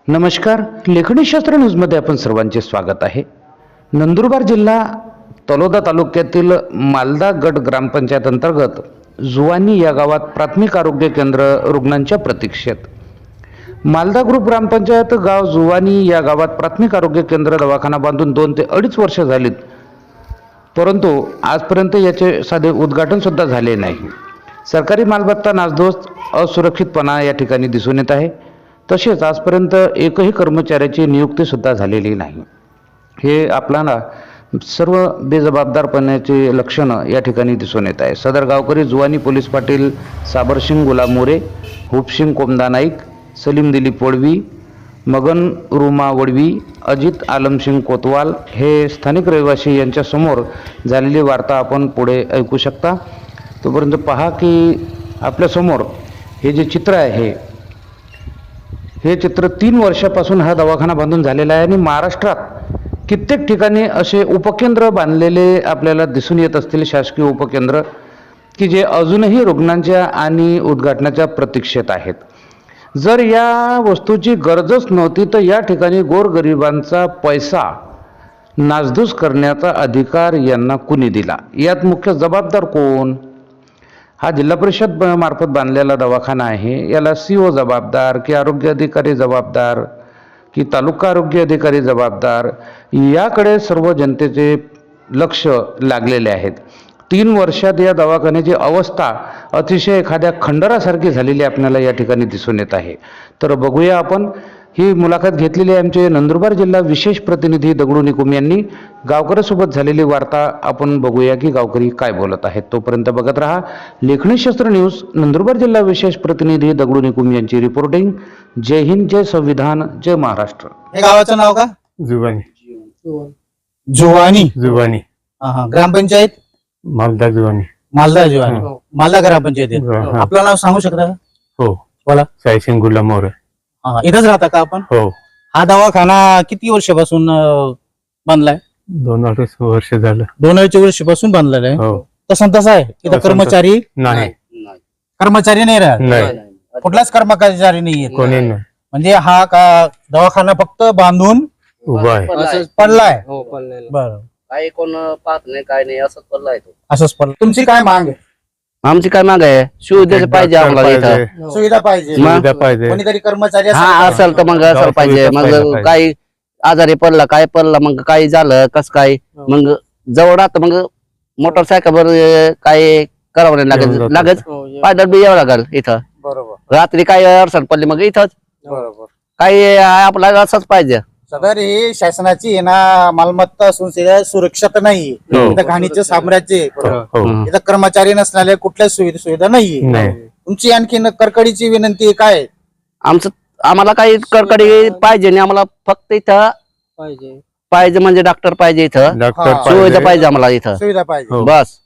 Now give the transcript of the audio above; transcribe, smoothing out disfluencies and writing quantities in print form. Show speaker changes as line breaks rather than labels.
नमस्कार. लेखणीशास्त्र न्यूजमध्ये आपण सर्वांचे स्वागत आहे. नंदुरबार जिल्हा तलोदा तालुक्यातील मालदा गट ग्रामपंचायत अंतर्गत जुवानी या गावात प्राथमिक आरोग्य केंद्र रुग्णांच्या प्रतीक्षेत. मालदा ग्रुप ग्रामपंचायत गाव जुवानी या गावात प्राथमिक आरोग्य केंद्र दवाखाना बांधून 2 ते 2.5 वर्ष झालीत, परंतु आजपर्यंत याचे साधे उद्घाटन सुद्धा झाले नाही. सरकारी मालमत्ता नासधूस, असुरक्षितपणा या ठिकाणी दिसून येत आहे. तसेच आजपर्यंत एकही कर्मचाऱ्याची नियुक्ती सुद्धा झालेली नाही. हे आपल्याला सर्व बेजबाबदारपणाचे लक्षणं या ठिकाणी दिसून येत आहे. सदर गावकरी जुवानी पोलीस पाटील साबरसिंग गुलाम मोरे, हुपसिंग कोमदा नाईक, सलीम दिलीप वडवी, मगन रुमा वडवी, अजित आलमसिंग कोतवाल हे स्थानिक रहिवासी यांच्यासमोर झालेली वार्ता आपण पुढे ऐकू शकता. तोपर्यंत पहा की आपल्यासमोर हे जे चित्र आहे, हे चित्र 3 वर्षापासून हा दवाखाना बांधून झालेला आहे आणि महाराष्ट्रात कित्येक ठिकाणी असे उपकेंद्र बांधलेले आपल्याला दिसून येत असतील, शासकीय उपकेंद्र की जे अजूनही रुग्णांच्या आणि उद्घाटनाच्या प्रतीक्षेत आहेत. जर या वस्तूची गरजच नव्हती तर या ठिकाणी गोरगरिबांचा पैसा नासधूस करण्याचा अधिकार यांना कुणी दिला? यात मुख्य जबाबदार कोण? हा जिल्हा परिषद मार्फत बांधलेला दवाखाना आहे. याला CO जबाबदार की आरोग्य अधिकारी जबाबदार की तालुका आरोग्य अधिकारी जबाबदार, याकडे सर्व जनतेचे लक्ष लागलेले आहेत. 3 वर्षात या दवाखान्याची अवस्था अतिशय एखाद्या खंडरासारखी झालेली आपल्याला या ठिकाणी दिसून येत आहे. तर बघूया आपण. ही मुलाखत घेतलेली आहे आमचे नंदुरबार जिल्हा विशेष प्रतिनिधी दगडू निकुम यांनी. गावकऱ्यासोबत झालेली वार्ता आपण बघूया की गावकरी काय बोलत आहेत. तोपर्यंत बघत रहा लेखणीशास्त्र न्यूज. नंदुरबार जिल्हा विशेष प्रतिनिधी दगडू निकुम यांची रिपोर्टिंग. जय हिंद, जय संविधान, जय महाराष्ट्र.
हे गावाचं नाव का?
जुवानी.
जुवानी.
जुवानी.
ग्रामपंचायत
मालदा जुवानी.
मालदा जुवानी. मालदा ग्रामपंचायत आहे. आपलं नाव सांगू शकता का?
हो.
बोला.
सायसिंग गुलाम मोरे.
इथंच राहता का आपण?
हो.
हा दवाखाना किती वर्षापासून बांधलाय?
2-2.5 वर्ष झालं.
2-2.5 वर्षापासून बांधलेला आहे.
हो.
तसं आहे. इथं कर्मचारी
नाही.
कर्मचारी नाही राहत.
नाही.
कुठलाच कर्मचारी नाहीये.
कोणी नाही.
म्हणजे हा का दवाखाना फक्त बांधून
उभा आहे.
पडलाय.
हो पडलेलं.
बरं.
काही कोण पाहत नाही, काय नाही, असंच पडलाय तो.
असंच पडलं. तुमची काय माग आहे?
आमची काय माग आहे? सुविधा पाहिजे आम्हाला इथं.
सुविधा पाहिजे.
सुविधा पाहिजे.
कोणीतरी कर्मचारी
हा
असेल.
असेल तर मग असं पाहिजे. मग काही आजारी पडला, काय पडला, मग काही झालं कस काय, मग जवळ राहत मग मोटरसायकलवर काय करावं नाही लागत. पायदळ बी यावं लागल इथं.
बरोबर.
रात्री काही अडचण पडली मग इथंच.
बरोबर.
काही आपल्याला असंच पाहिजे.
सदर ही शासनाची आहे ना मालमत्ता असून सुरक्षित नाही. इथं घाणीचे साम्राज्य आहे.
हो.
इथं कर्मचारी नसणारे कुठल्याच सुविधा नाहीये.
नाही.
तुमची आणखी कडकडीची विनंती काय?
आम्हाला काही कडकडी पाहिजे नाही. आम्हाला फक्त इथं पाहिजे म्हणजे डॉक्टर पाहिजे इथं.
डॉक्टर
हा.
सुविधा
पाहिजे.
पाहिजे आम्हाला इथं.
सुविधा पाहिजे.
हो.
बस.